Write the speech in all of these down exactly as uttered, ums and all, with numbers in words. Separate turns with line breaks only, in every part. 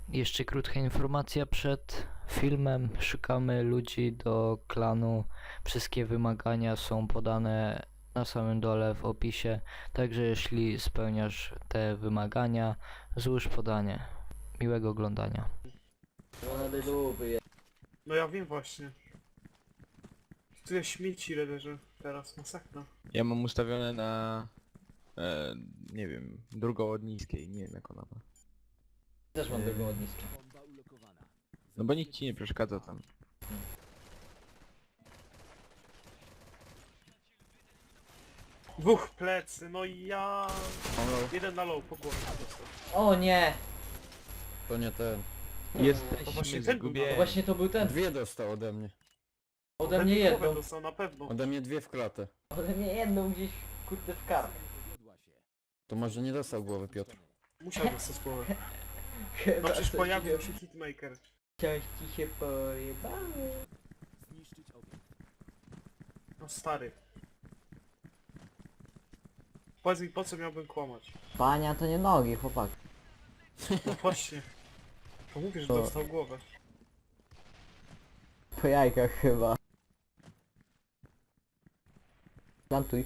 Jeszcze krótka informacja przed filmem. Szukamy ludzi do klanu. Wszystkie wymagania są podane na samym dole w opisie. Także jeśli spełniasz te wymagania, złóż podanie. Miłego oglądania.
No ja wiem właśnie. Tyle śmieci leży teraz, masakra.
Ja mam ustawione na... E, nie wiem, drugą od niskiej, nie wiem jak ona ma.
Też mam drugą od niskiej.
No bo nikt ci nie przeszkadza tam.
Dwóch plecy, no i ja...
Mam low.
Jeden na low, po głowie dostał.
O nie!
To nie ten.
To
Jesteśmy
właśnie ten był
zgubieni.
Właśnie to był ten.
Dwie dostał ode mnie.
Ode
Ten
mnie
mi głowę
jedną.
dostał na pewno.
Ode mnie dwie w klatę.
Ode mnie jedną gdzieś kurde w kark.
To może nie dostał głowy Piotr.
Musiał dostać głowę.
Chyba
No przecież
coś
pojawił
ci-
się hitmaker.
Coś ci się pojebało.
No stary. Powiedz mi, po co miałbym kłamać?
Pania to nie nogi, chłopak.
No właśnie. To mówię, że
To-
dostał głowę.
Po jajkach chyba. Plantuj.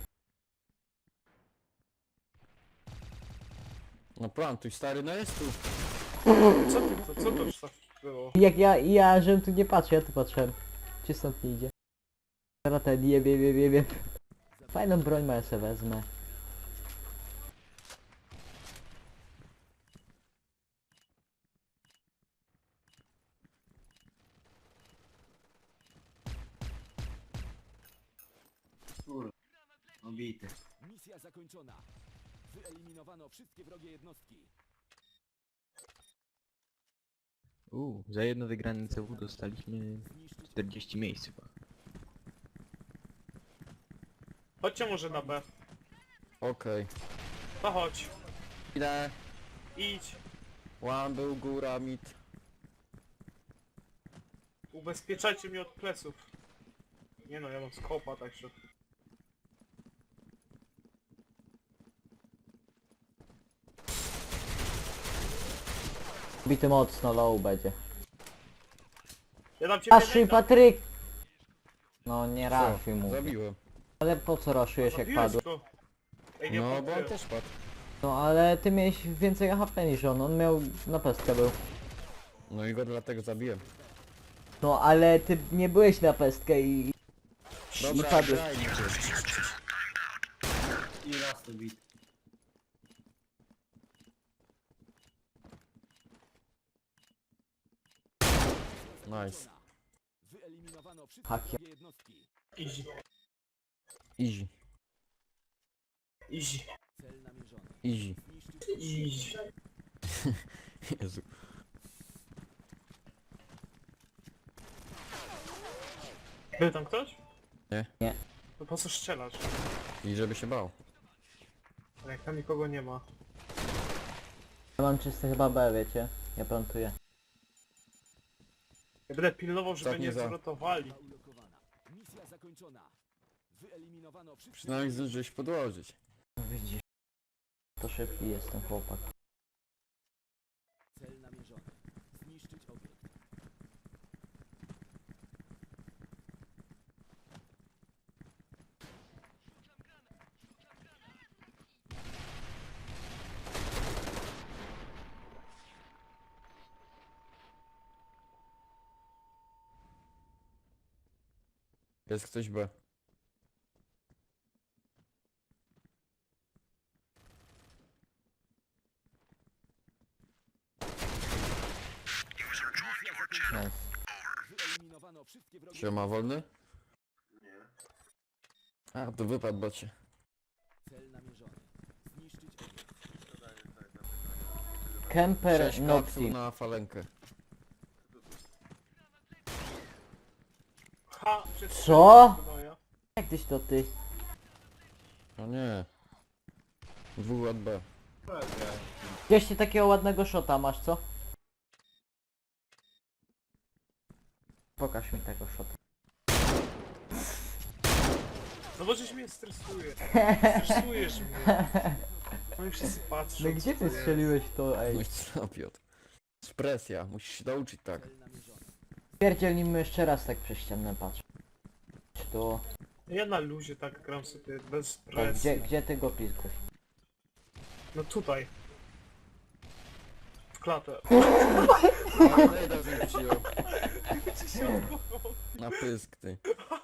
No plantuj stary, no jest tu.
Co ty, to, co to już tak było?
Jak ja, ja, żebym tu nie patrzył, ja tu patrzyłem. Czy stąd nie idzie? Teraz ten jeb, jeb, jeb, jeb, jeb. Fajną broń ma, ja se wezmę.
Obity.
Misja zakończona. Wyeliminowano wszystkie wrogie jednostki.
Uuu, za jedno wygrane C W dostaliśmy
Zniszczyć
czterdzieści miejsc chyba.
Chodźcie może na B.
Okej.
To chodź.
Idę.
Idź.
One był góra, mit.
Ubezpieczajcie mnie od pleców. Nie no, ja mam skopa, także...
Bity mocno, low będzie.
Ja dam cię
Raszuj, Patryk! No nie raszuj mu.
Zabiłem.
Ale po co raszujesz jak padł?
go. Ej, nie
No bo on
podbiję.
też padł.
No ale ty miałeś więcej H P niż on, on miał na pestkę był.
No i go dlatego zabiłem.
No ale ty nie byłeś na pestkę i...
Dobra,
padłeś.
grajmy się.
I raz to bit.
Nice.
Wyeliminowano wszystkie
Hakie.
wrogie jednostki.
Easy.
Easy.
Easy.
Cel namierzony.
Easy.
Zniszczyć
Easy.
Jezu.
Był tam ktoś?
Nie.
Nie.
No po co strzelasz?
I żeby się bał.
Ale jak tam nikogo nie ma.
Ja mam czyste chyba B, wiecie? Ja plantuję.
Ja będę pilnował, żeby
Ostatnie
nie
za.
zwrotowali.
Bomba ulokowana. Misja zakończona. Wyeliminowano wszystkie
Przynajmniej zdążyłeś podłożyć.
No widzisz. To szybki jest ten chłopak.
Cel namierzony. Zniszczyć obiekt.
Jest ktoś B.
Misja zakończona.
Nice.
Wyeliminowano wszystkie wrogie
Siema, wolny? Nie. A, to wypadł bocie.
Cel namierzony. Zniszczyć obiekt.
Kemper
Sześć kapsuł
Noxy.
na falenkę.
Ha! Przez
Co?
No ja.
Jak tyś to ty?
O nie. Dwóch od B.
Gdzieś ty takiego ładnego shota masz, co? Pokaż mi tego shota.
No bo żeś mnie stresuje. Stresujesz mnie. No i wszyscy patrzą.
No gdzie
co
ty
to
strzeliłeś to,
No
ej?
i co, Piotr? Presja, musisz się nauczyć tak.
Cel namierzony.
Pierdzielnijmy jeszcze raz tak przez ścianę patrz. Czy to...
Ja na luzie tak gram sobie bez
Tak,
presji.
gdzie, gdzie ty go pizguś?
No tutaj. W klatę.
Ale Nejda z nim przyjął. Na pysk ty.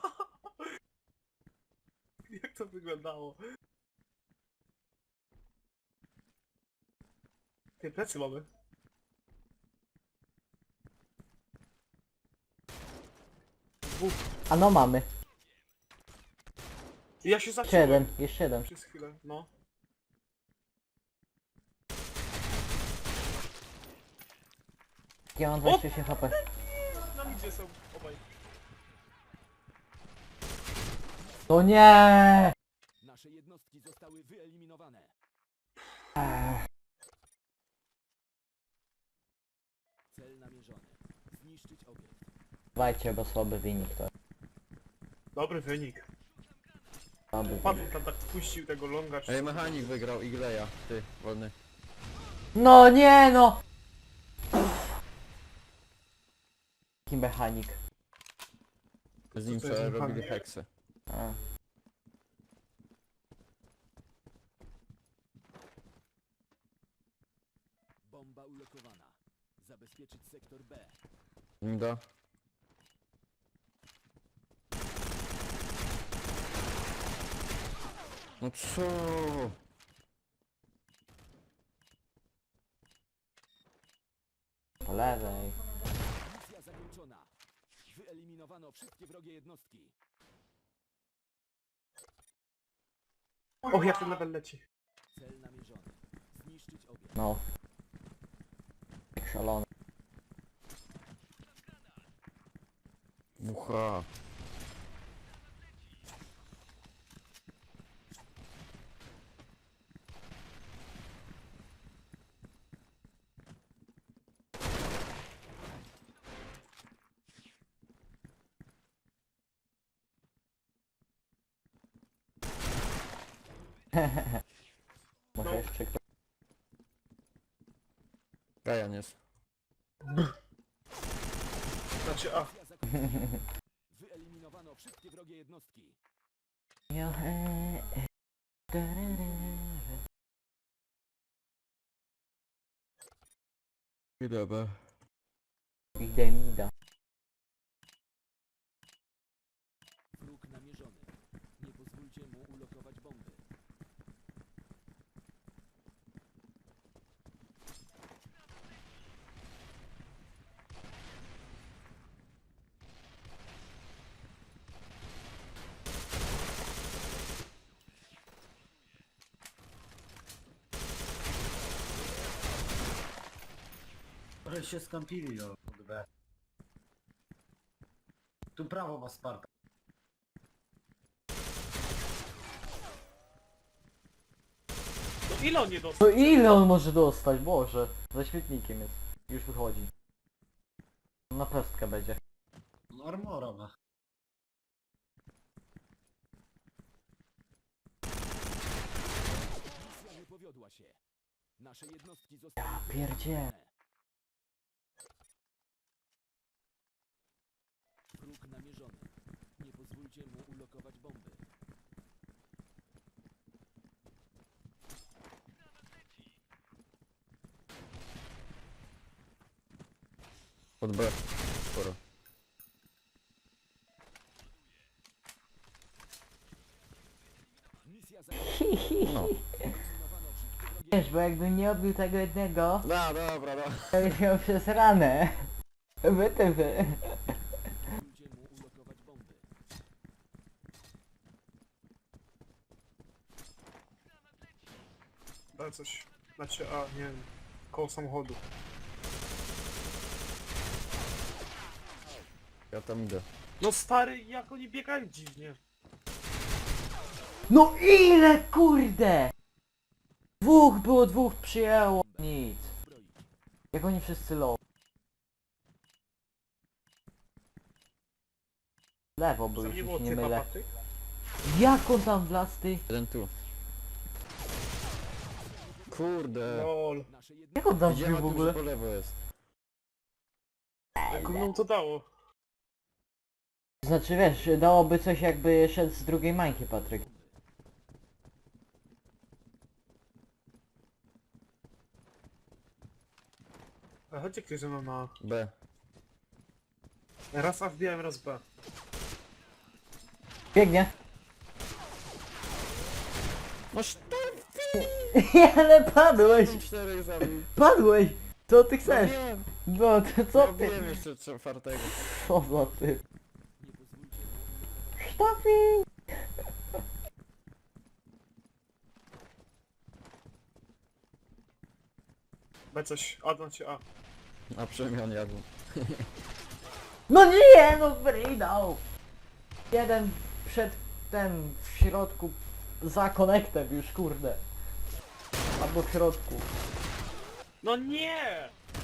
Jak to wyglądało? Ty plecy mamy. Dwóch.
A no mamy.
I ja się
Jeszcze
zaciąłem.
jeden, jeszcze jeden.
Przez chwilę, no.
Ja mam dwadzieścia osiem H P.
Na midzie są obaj.
To nie!
Nasze jednostki zostały wyeliminowane.
Ech,
Cel namierzony. Zniszczyć obiekt.
Dawajcie, bo słaby wynik to.
Dobry wynik.
Słaby wynik.
Paweł tam tak puścił tego longa czy...
Ej, mechanik wygrał Igleja. Ty, wolny.
No nie no! Taki mechanik.
Z nim
Co to jest
co
mechanik?
robili heksy.
A.
Bomba ulokowana. Zabezpieczyć sektor B.
Da. No co?
Po lewej.
Misja zakończona. Wyeliminowano wszystkie wrogie jednostki.
Och, jak ten level leci.
Cel namierzony. Zniszczyć obiekt.
No. Jak szalony.
Mucha.
Może jeszcze ktoś.
Gajan jest.
Znaczy, a.
Misja zakończona. Wyeliminowano wszystkie wrogie jednostki.
Ja, e, e, tarara.
Dobra.
Idę mi da.
Wróg namierzony. Nie pozwólcie mu ulokować bomby.
Ale się skampili o od B. Tu prawo ma Sparta.
No ile on nie dostał?
No ile on może dostać? Boże. Za świetnikiem jest. Już wychodzi. Na pestkę będzie.
No armora ma.
Misja nie powiodła się. Nasze jednostki zostały
Ja pierdzie.
wyeliminowane. Wróg namierzony. Nie pozwólcie mu ulokować bomby.
Pod B. Sporo.
Misja zakończona.
No.
Wyeliminowano wszystkie wrogie
Wiesz, bo jakbym nie odbił tego jednego,
Da, dobra, da.
to byś miał przez ranę. Wy ty wy.
pozwólcie mu ulokować bomby.
Daj coś. Znaczy, a, nie wiem. Koło samochodu.
Ja tam idę.
No stary, jak oni biegają dziwnie.
No ile kurde! Dwóch było, dwóch przyjęło. Nic.
Zbroić.
Jak oni wszyscy low. Lewo był,
Tam nie
jeśli
było
się nie
typa
mylę.
paty?
Jak on tam wlazł ty?
Jeden tu. Kurde.
Lol.
Nasze
Jak
jednostki
on tam
Gdzie
wbił
ma
w
tu,
ogóle?
że po lewo jest?
Komu to dało?
Znaczy wiesz, dałoby coś jakby szedł z drugiej mańki, Patryk.
A chodźcie ktoś ze mną na...
B.
Raz A wbijałem, raz B.
Biegnie.
No sztab
Ale padłeś!
czterech zabił.
Padłeś! Co ty
No
chcesz?
wiem,
No to co
no
ty?
wiem jeszcze czwartego.
Co za ty?
Nie pozwólcie mu...
Sztafi!
B coś, A znaczy A.
A przemian jadł.
No nie, no wydał! Jeden przed ten w środku za konektem już, kurde. Albo w środku.
No nie!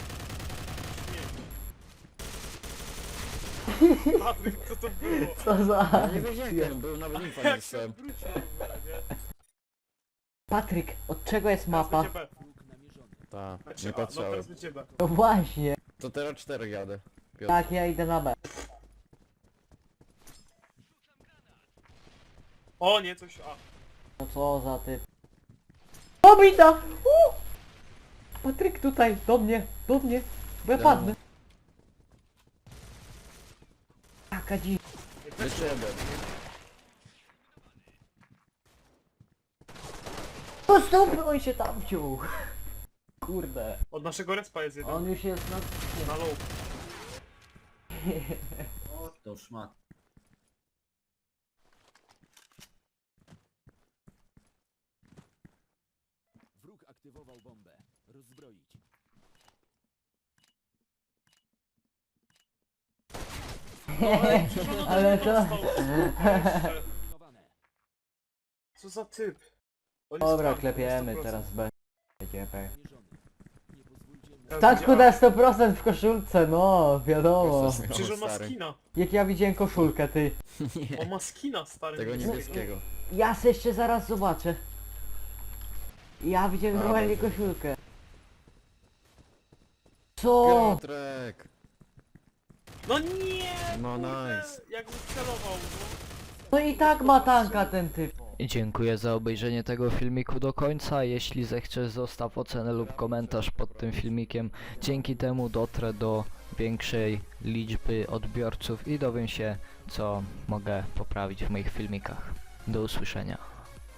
Śmieć. Patryk, co to było?
Co za...
Ja nie wiedziałem, był nawet infa nie
Jak się
dostałem.
odwrócił w ogóle, nie?
Patryk, od czego jest
Teraz
mapa?
będzie B.
Wróg namierzony.
Ta,
Znaczy
nie
A, no
patrzałem.
teraz będzie B.
No właśnie.
To teraz czterech jadę. Piotr.
Tak, ja idę na B.
O nie, coś A.
No co za ty... Pobita! U! Patryk tutaj, do mnie, do mnie, bo ja
Ja.
padnę. Jaka dzi...
Jeszcze jeden.
Po stopy on się tam wciął. Kurde.
Od naszego respa jest jeden.
On już jest na...
Na low.
O, to szmat.
Wróg aktywował bombę. Rozbroić.
Ale to...
Eliminowane.
Co za typ? On jest
Dobra,
twardy,
klepiemy
sto procent.
teraz B. Będzie B.
Namierzony. Nie pozwólcie mu...
Teraz
Taczku
będzie
na sto procent w koszulce, no, wiadomo.
A. Przecież on ma
Stary.
skina.
Jak ja widziałem koszulkę, ty.
On ma skina, stary.
Tego
niebieskiego.
niebieskiego.
Ja se jeszcze zaraz zobaczę. Ja widziałem
A,
normalnie
dobrze.
koszulkę. Co?
Piotrek!
No nie!
No
kurde,
nice.
Jak mi celował, no.
No i tak ma tanka ten typ.
I dziękuję za obejrzenie tego filmiku do końca. Jeśli zechcesz, zostaw ocenę lub komentarz pod tym filmikiem. Dzięki temu dotrę do większej liczby odbiorców i dowiem się, co mogę poprawić w moich filmikach. Do usłyszenia.